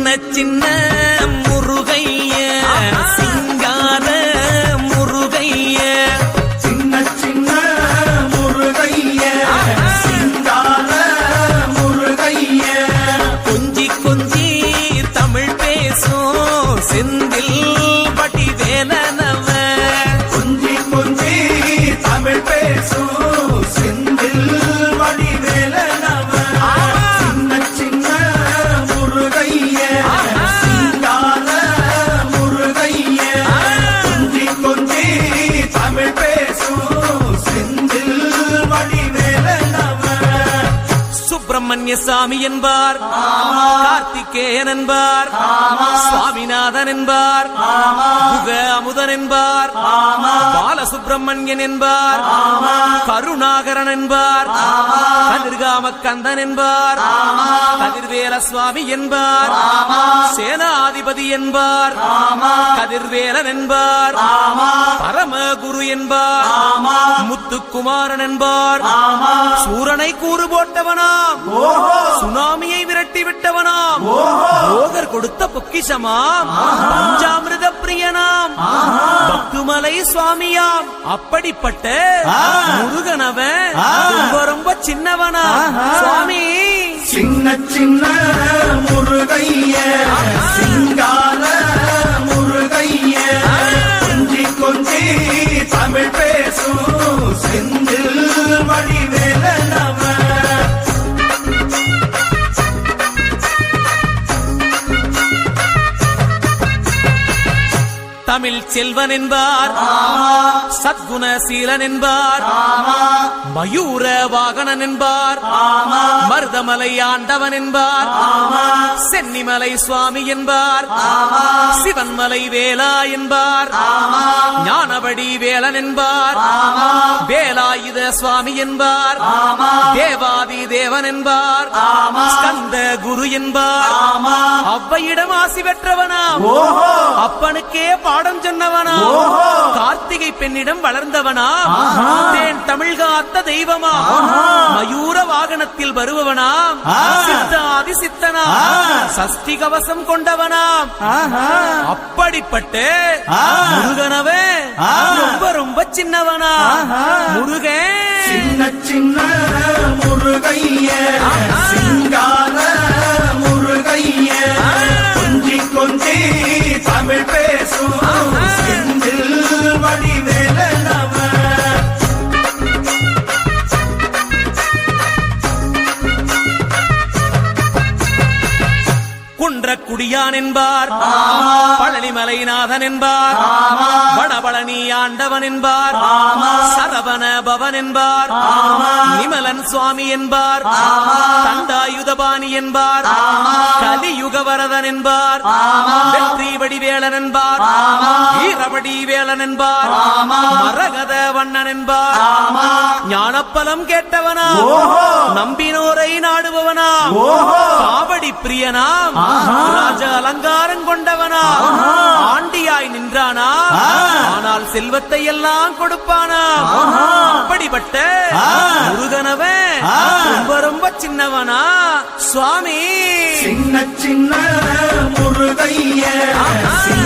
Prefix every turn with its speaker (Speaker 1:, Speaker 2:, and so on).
Speaker 1: சின்ன முருகைய சிங்கார முருகைய
Speaker 2: சின்ன சின்ன முருகைய சிங்கார முருகைய
Speaker 1: கொஞ்சி கொஞ்சி தமிழ் பேசும் செந்தில் வடிவேலனவ
Speaker 2: கொஞ்சி கொஞ்சி தமிழ் பேசும் செந்தில் வடிவேலனவ சின்ன சின்ன முருகைய சிங்கார முருகைய கொஞ்சி கொஞ்சி தமிழ் பேசும் செந்தில் வடிவேலனவ
Speaker 1: சுப்பிரமணிய சாமி என்பார், கார்த்திகேயன் என்பார், சுவாமிநாதன் என்பார், குக அமுதன் என்பார், பாலசுப்பிரமணியன் என்பார், கருணாகரன் என்பார், கதிர்காம கந்தன் என்பார், கதிர்வேல சுவாமி என்பார், சேனாதிபதி என்பார், கதிர்வேலன் என்பார், பரமகுரு என்பார், முத்துக்குமாரன் என்பார், சூரனை கூறு போட்டவனாம், சுனாமியை விரட்டி விட்டவனாம், போகர் கொடுத்த பொக்கிஷமாம், பஞ்சாமிருத பிரியனாம், பத்துமலை சுவாமியாம். அப்படிப்பட்ட முருகனவன் ரொம்ப ரொம்ப சின்னவனா சுவாமி.
Speaker 2: சின்ன சின்ன முருகைய சிங்கார முருகைய கொஞ்சி கொஞ்சி தமிழ் பேசும் செந்தில் வடிவேலனவ
Speaker 1: தமிழ் செல்வன் என்பார், சத்குணசீலன் என்பார், மயூர வாகனன் என்பார், மருதமலை ஆண்டவன் என்பார், சென்னிமலை சுவாமி என்பார், சிவன்மலை வேலா என்பார், ஞானவடி வேலன் என்பார், வேலாயுத சுவாமி என்பார், தேவாதி தேவன் என்பார், ஸ்கந்த குரு என்பார், அவ்வையிடம் ஆசி பெற்றவனாம், அப்பனுக்கே பாடம் சொன்னவனா, கார்த்திகை பெண்ணிடம் வளர்ந்தவனா, தேன் தமிழ் காத்த தெய்வமா, மயூர வாகனத்தில் வருபவனாம், சித்தாதி சித்தனா, சஷ்டி கவசம் கொண்டவனாம். அப்படிப்பட்ட முருகனவே ரொம்ப ரொம்ப சின்னவனா முருகன்.
Speaker 2: சின்ன சின்ன முருகைய சிங்கார முருகைய கொஞ்சி கொஞ்சி தமிழ் பேசும் செந்தில் வடிவேலனவ
Speaker 1: குன்றக்குடியான் என்பார், பழனிமலைநாதன் என்பார், வடபழனி ஆண்டவன் என்பார், சரவண பவன் என்பார், நிமலன் சுவாமி என்பார், தண்டாயுதபாணி என்பார், கலியுகவரதன் என்பார், வெற்றி வடிவேலன் என்பார், வீரவடி வேலன் என்பார், மரகத வண்ணன் என்பார், ஞானப்பலம் கேட்டவனா, நம்பினோரை நாடுபவனா, காவடி பிரியனாம், ராஜ அலங்காரம் கொண்டவனா, ஆண்டியாய் நின்றானா, ஆனால் செல்வத்தை எல்லாம் கொடுப்பானா. அப்படிப்பட்ட முருகனவன் ரொம்ப ரொம்ப சின்னவனா சுவாமி.
Speaker 2: சின்ன சின்ன முருகைய